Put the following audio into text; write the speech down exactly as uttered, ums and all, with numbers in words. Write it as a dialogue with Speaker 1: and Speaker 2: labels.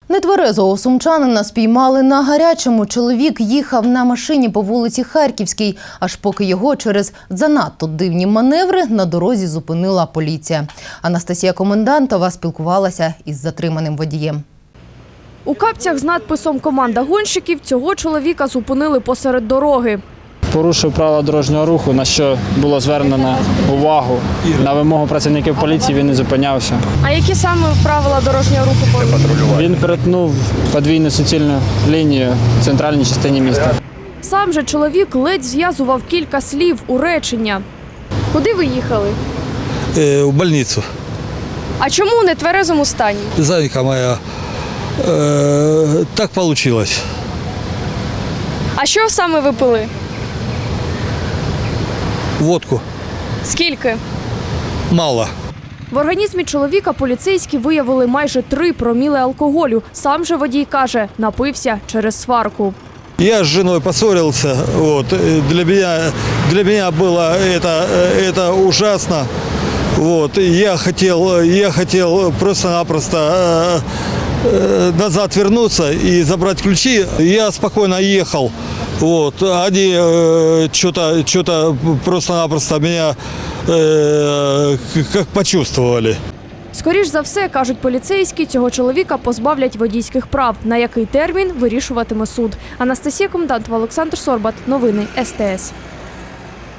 Speaker 1: Нетверезого сумчанина спіймали на гарячому. Чоловік їхав на машині по вулиці Харківській, аж поки його через занадто дивні маневри на дорозі зупинила поліція. Анастасія Комендантова спілкувалася із затриманим водієм.
Speaker 2: У капцях з надписом «Команда гонщиків» цього чоловіка зупинили посеред дороги.
Speaker 3: Порушив правила дорожнього руху, на що було звернено увагу. На вимогу працівників поліції він не зупинявся.
Speaker 2: А які саме правила дорожнього руху порушив?
Speaker 3: Він перетнув подвійну суцільну лінію в центральній частині міста.
Speaker 2: Сам же чоловік ледь зв'язував кілька слів у речення. Куди ви їхали?
Speaker 4: Э, в больницу.
Speaker 2: А чому у нетверезому стані?
Speaker 4: Зайка моя, э, так получилось.
Speaker 2: А що саме ви пили?
Speaker 4: Водку
Speaker 2: Скільки?
Speaker 4: мало.
Speaker 2: В організмі чоловіка поліцейські виявили майже три проміли алкоголю. Сам же водій каже, напився через сварку.
Speaker 4: Я с женой поссорился. Вот. Для меня, для меня было это, это ужасно. Вот. Я хотел, я хотел просто-напросто э, э, назад вернуться и забрать ключи. Я спокойно ехал. Вот. Они э, что-то, что-то просто-напросто меня э, как почувствовали.
Speaker 2: Скоріш за все, кажуть поліцейські, цього чоловіка позбавлять водійських прав. На який термін – вирішуватиме суд. Анастасія Комендантова, Олександр Сорбат. Новини ес те ес.